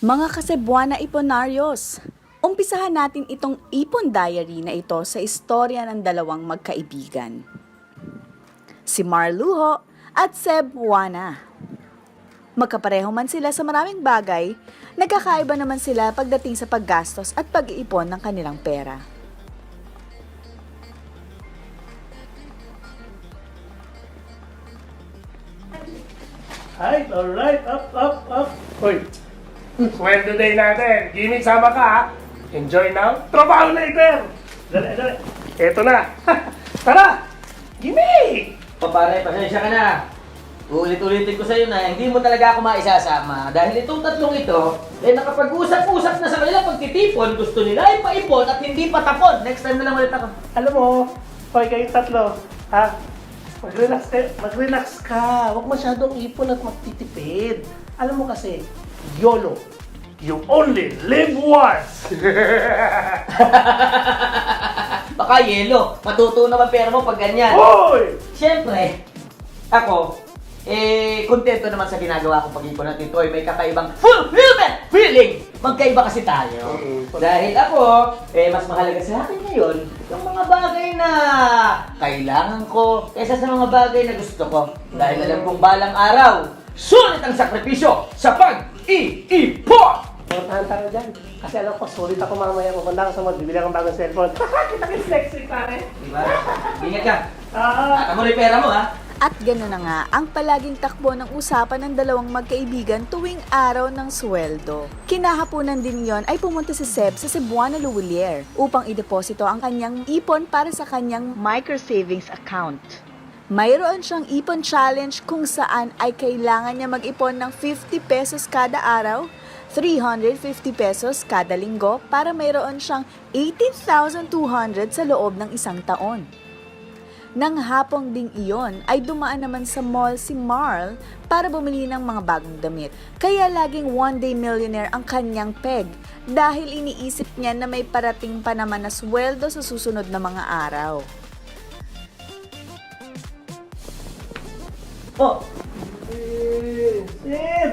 Mga Kasebuana Iponaryos, umpisahan natin itong ipon diary na ito sa istorya ng dalawang magkaibigan. Si Marluho at Seb Buana. Magkapareho man sila sa maraming bagay, nagkakaiba naman sila pagdating sa paggastos at pag-iipon ng kanilang pera. Alright, up. Hoy, sweldo day natin. Jimmy, sama ka ha. Enjoy now, trabaho later. Dali. Eto na. Tara, Jimmy! O pare, pasensya ka na. Ulit-ulitin ko sa'yo na hindi mo talaga ako maisasama. Dahil itong tatlong ito, nakapag-usap-usap na sa kanila pagtitipon, gusto nila ay paipon at hindi patapon. Next time na lang ulit ako. Alam mo, hoy kayong tatlo, ha? Mag-relax ka. Huwag masyadong ipon at magtitipid. Alam mo kasi, YOLO. You only live once. Baka yelo, matutunaw ang pera mo pag ganyan. Hoy! Siyempre, ako, kontento naman sa ginagawa kong pag-ipon at ito ay may kakaibang fulfillment feeling. Magkaiba kasi tayo. Dahil ako, mas mahalaga sa akin ngayon yung mga bagay na kailangan ko kaysa sa mga bagay na gusto ko. Dahil alam kong balang araw, sulit ang sakripisyo sa pag-iipon! Portahan tayo dyan. Kasi alam ko, sulit ako mamaya. Pupunta ka sa mall, bibili akong bagong cellphone. Kita sexy, pare. Diba? Ingat ka. Ah, At mo yung pera mo, ha? At gano'n na nga ang palaging takbo ng usapan ng dalawang magkaibigan tuwing araw ng sweldo. Kinahaponan din yon ay pumunta si Seb sa Cebuana Luwilier upang ideposito ang kanyang ipon para sa kanyang micro savings account. Mayroon siyang ipon challenge kung saan ay kailangan niya mag-ipon ng 50 pesos kada araw, 350 pesos kada linggo para mayroon siyang 18,200 sa loob ng isang taon. Nang hapong ding iyon ay dumaan naman sa mall si Marl para bumili ng mga bagong damit. Kaya laging one-day millionaire ang kanyang peg dahil iniisip niya na may parating pa naman na sweldo sa susunod na mga araw. Oh, Sib!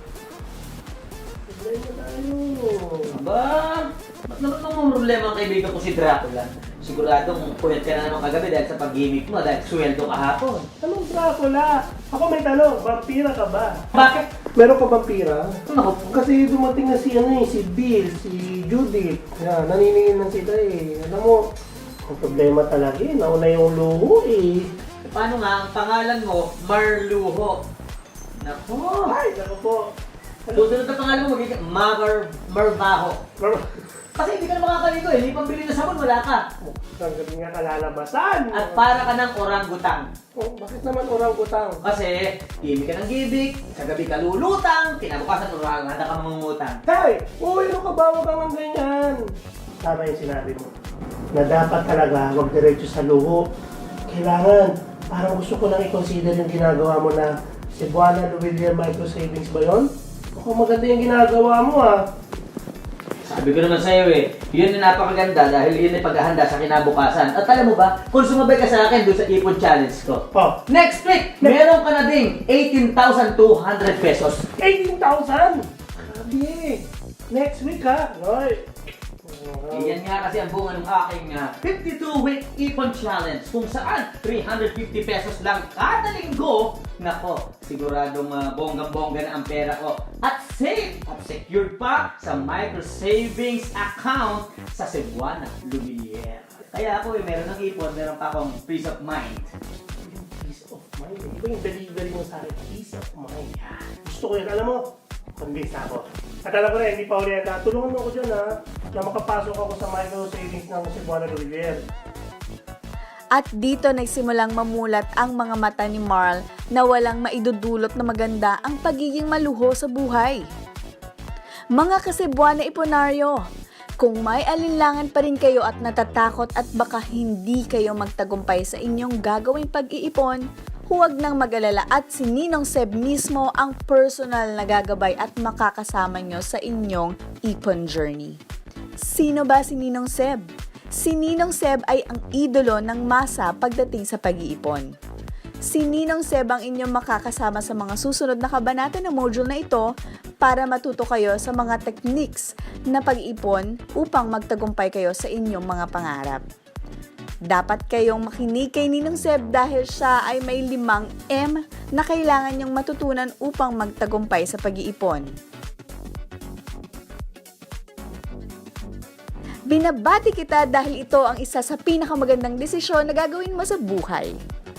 Tignan mo tayo. aba, ba't naman nung problema ang kaibigan ko si Dracula? Siguradong puyat ka na naman kagabi dahil sa pag-gimmick mo dahil sweldo kahapon. Anong Dracula? Ako may tanong, vampira ka ba? Bakit? Meron ka vampira? Ako, Kasi dumating na si Bill, si Judith. Yan, naniningin lang sila Alam mo, ang problema talaga nauna yung luho paano nga ang pangalan mo, Marluho? Nako. Ay, naku po. Susunod na pangalan mo, magiging Marbaho. Kasi hindi ka na makakaligo hindi pambili na sabon, wala ka. Ang gabi nga kalalabasan. At para ka ng orangutang. Oh, bakit naman orang-utang? Kasi, gimmick ka ng gimmick, sa gabi ka lulutang, kinabukasan orangutang ka mangungutang. Tay! Uy, ano ka ba? Huwag kang ganyan. Tama yung sinabi mo. Na dapat talaga huwag diretso sa luho. Kailangan, parang gusto ko lang i-consider yung ginagawa mo na Cebuana Luwilier Micro Savings ba yun? Mukhang maganda yung ginagawa mo Sabi ko naman sa'yo yun na napakaganda dahil yun ay paghahanda sa kinabukasan. At alam mo ba, kung sumabay ka sa akin doon sa ipon challenge ko, Oh, next week, meron ka na ding 18,200 pesos. 18,000! Grabe! Next week ha? Hoy! Iyan nga kasi ang bunga ng aking 52-week ipon challenge kung saan 350 pesos lang kada linggo. Nako, siguradong bonggang-bongga na ang pera ko. At safe at secured pa sa micro savings account sa Cebuana Luwilier. Kaya ako meron ng ipon, meron pa akong peace of mind. Peace of mind. Iba yung delivery mo sa akin. Peace of mind. Gusto ko yun. Alam mo, convinced ako. At alam ko na, hindi pa ulit. Tulungan mo ako dyan na makapasok ako sa micro savings ng Cebuana Luwilier. At dito nagsimulang mamulat ang mga mata ni Marl na walang maidudulot na maganda ang pagiging maluho sa buhay. Mga Kasebuana Iponaryo, kung may alinlangan pa rin kayo at natatakot at baka hindi kayo magtagumpay sa inyong gagawing pag-iipon, huwag nang mag-alala at si Ninong Seb mismo ang personal na gagabay at makakasama nyo sa inyong ipon journey. Sino ba si Ninong Seb? Si Ninong Seb ay ang idolo ng masa pagdating sa pag-iipon. Si Ninong Seb ang inyong makakasama sa mga susunod na kabanata ng module na ito para matuto kayo sa mga techniques na pag-ipon upang magtagumpay kayo sa inyong mga pangarap. Dapat kayong makinig kay Ninong Seb dahil siya ay may 5 M na kailangan niyong matutunan upang magtagumpay sa pag-iipon. Binabati kita dahil ito ang isa sa pinakamagandang desisyon na gagawin mo sa buhay.